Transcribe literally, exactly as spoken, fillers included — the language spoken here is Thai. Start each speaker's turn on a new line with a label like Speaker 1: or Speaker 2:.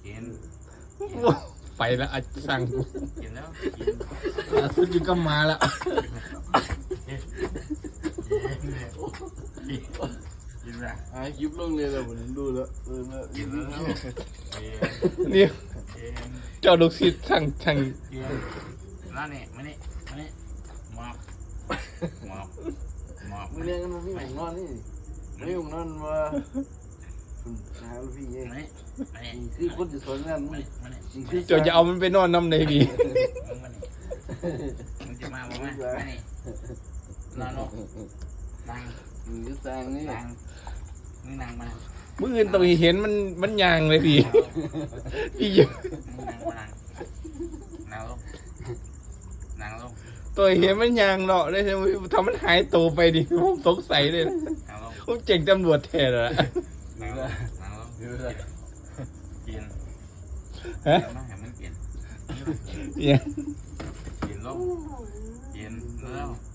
Speaker 1: กิน
Speaker 2: ไปแล้วอาสั่ง
Speaker 1: กินแล้วกิน
Speaker 2: ล่าสุดอยู่ก็มาแล้ว
Speaker 1: กินละ
Speaker 3: หาคลิปลงเลยแล้วผมดูแล้วเออแล้ว
Speaker 1: กินแล้ว
Speaker 2: นี่
Speaker 1: กิน
Speaker 2: เจ้าลูกศิษย์สั่งสั่ง
Speaker 1: กินแล้วนี่มานี่มานี่หมอบหมอบหมอบ
Speaker 3: มึงเรียนกันมาพี่ผมนอนนี่ไม่ผมนอนว่าคุณหาลูกพี่เอง
Speaker 1: มานี่มานี่
Speaker 3: คือคนจะสอนงานมึ
Speaker 1: มาง นี่มานี่
Speaker 3: คือ
Speaker 2: เจ้าจะเอามันไปนอนน้ำในดี
Speaker 1: มึงมานี่มึงจะมาบอกว่ามานี่นอนลงนั่ง
Speaker 3: มึงจะสร้างนี่
Speaker 1: นั่งมึงนั่งมา
Speaker 2: มื่ออื่นต้องเห็นมันมันยางเลยพี่พี่เยอะ
Speaker 1: มึงนั่งมานั่งนั่งลงนั่งลง
Speaker 2: ตัวเห็นมันยางเนาะได้ใช่ไหมทำมันหายตัวไปดิผมสงสัยเลยนะ
Speaker 1: นั่งลง
Speaker 2: ผมเจ๋งตำรวจแทนแล้ว
Speaker 1: นั่งลงนั่งลง
Speaker 3: เดี๋ยวจะ
Speaker 1: กิน
Speaker 2: ฮะ
Speaker 1: กินมาให้มึงกิน
Speaker 2: เนี่ย
Speaker 1: กินลงกินแล้ว